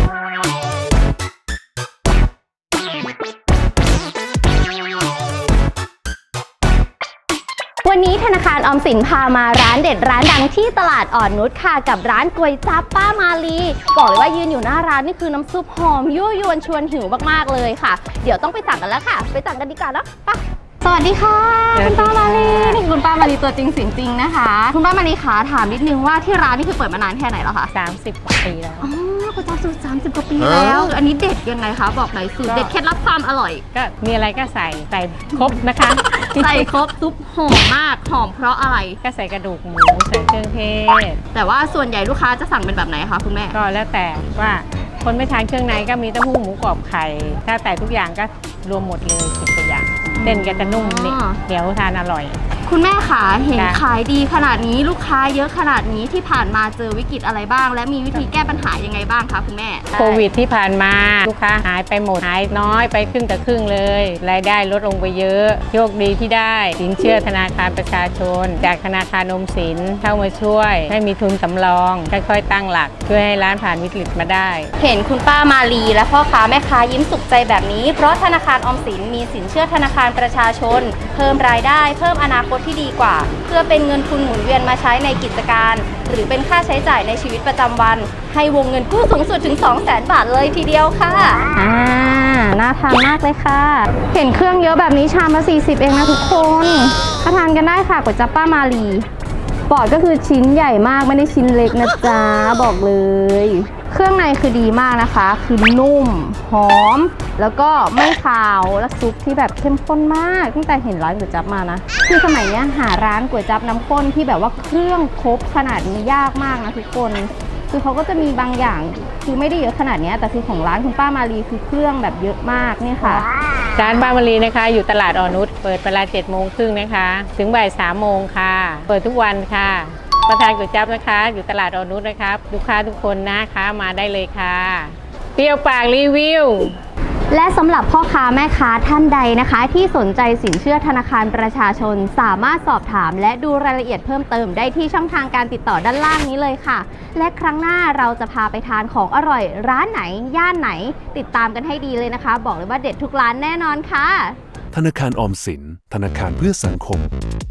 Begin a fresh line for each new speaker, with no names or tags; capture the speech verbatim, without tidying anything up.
วันนี้ธนาคารออมสินพามาร้านเด็ดร้านดังที่ตลาดอ่อนนุชค่ะกับร้านก๋วยจั๊บป้ามาลีบอกเลยว่ายืนอยู่หน้าร้านนี่คือน้ำซุปหอมยั่วยวนชวนหิวมากๆเลยค่ะเดี๋ยวต้องไปสั่งกันแล้วค่ะไปสั่งกันดีกว่าเนาะไปสวัสดีค่ะคุณป้ามาลีนี่คุณป้ามาลีตัวจริงเสียงจริงนะคะคุณป้ามาลีคะถามนิดนึงว่าที่ร้านนี่คือเปิดมานานแค่ไหนแล้วคะ
สามสิบกว่าปีแล้ว
อ๋อก๋วยจั๊บสูตรสามสิบกว่าปีแล้วอันนี้เด็ดยังไงคะบอกหน่อยสูตรเด็ดเคล็ดลับความอร่อย
ก็มีอะไรก็ใส่ใส่ครบนะคะ
ใส่ครบซุปหอมมากหอมเพราะอะไร
ก็ใส่กระดูกหมูใส่เครื่องเทศ
แต่ว่าส่วนใหญ่ลูกค้าจะสั่งเป็นแบบไหนคะคุณแม่
ก็แล้วแต่ว่าคนไม่ทานเครื่องในก็มีเต้าหู้หมูกรอบไข่ถ้าแต่ทุกอย่างก็รวมหมดเลยสิบตัวอย่างเส้นก็จะนุ่มนี่เหนียวทานอร่อย
คุณแม่ขาเห็นขายดีขนาดนี้ลูกค้าเยอะขนาดนี้ที่ผ่านมาเจอวิกฤตอะไรบ้างและมีวิธีแก้ปัญหายังไงบ้างคะคุณแม่
โควิดที่ผ่านมาลูกค้าหายไปหมดหายน้อยไปครึ่งต่อครึ่งเลยรายได้ลดลงไปเยอะโชคดีที่ได้สินเชื่อธนาคารประชาชนจากธนาคารออมสินเข้ามาช่วยให้มีทุนสำรองค่อยๆตั้งหลักช่วยให้ร้านผ่านวิกฤตมาได้
เห็นคุณป้ามาลีและพ่อค้าแม่ค้ายิ้มสุขใจแบบนี้เพราะธนาคารออมสินมีสินเชื่อธนาคารประชาชนเพิ่มรายได้เพิ่มอนาคตที่ดีกว่าเพื่อเป็นเงินทุนหมุนเวียนมาใช้ในกิจการหรือเป็นค่าใช้จ่ายในชีวิตประจำวันให้วงเงินกู้สูงสุดถึง สองแสน บาทเลยทีเดียวค่ะอ่าน่าทานมากเลยค่ะเห็นเครื่องเยอะแบบนี้ชามละสี่สิบเองนะทุกคนมาทานกันได้ค่ะก๋วยจั๊บป้ามาลีปอดก็คือชิ้นใหญ่มากไม่ได้ชิ้นเล็กนะจ๊ะบอกเลยเครื่องในคือดีมากนะคะคือนุ่มหอมแล้วก็ไม่คาวและซุปที่แบบเข้มข้นมากตั้งแต่เห็นร้านก๋วยจั๊บมานะคือสมัยนี้หาร้านก๋วยจั๊บน้ำข้นที่แบบว่าเครื่องครบขนาดนี้ยากมากนะทุกคนคือเขาก็จะมีบางอย่างคือไม่ได้เยอะขนาดนี้แต่คือของร้านคุณป้ามาลีคือเครื่องแบบเยอะมากนี่ค่ะ
ร้านป้ามาลีนะคะอยู่ตลาดอ่อนนุชเปิดเวลาเจ็ดโมงครึ่งนะคะถึงบ่ายสามโมงค่ะเปิดทุกวันค่ะมาทานก๋วยจั๊บนะคะอยู่ตลาดอ่อนนุชนะครับลูกค้าทุกคนนะคะมาได้เลยค่ะเปรี้ยวปากรีวิว
และสำหรับพ่อค้าแม่ค้าท่านใดนะคะที่สนใจสินเชื่อธนาคารประชาชนสามารถสอบถามและดูรายละเอียดเพิ่มเติมได้ที่ช่องทางการติดต่อด้านล่างนี้เลยค่ะและครั้งหน้าเราจะพาไปทานของอร่อยร้านไหนย่านไหนติดตามกันให้ดีเลยนะคะบอกเลยว่าเด็ดทุกร้านแน่นอนค่ะ
ธนาคารออมสินธนาคารเพื่อสังคม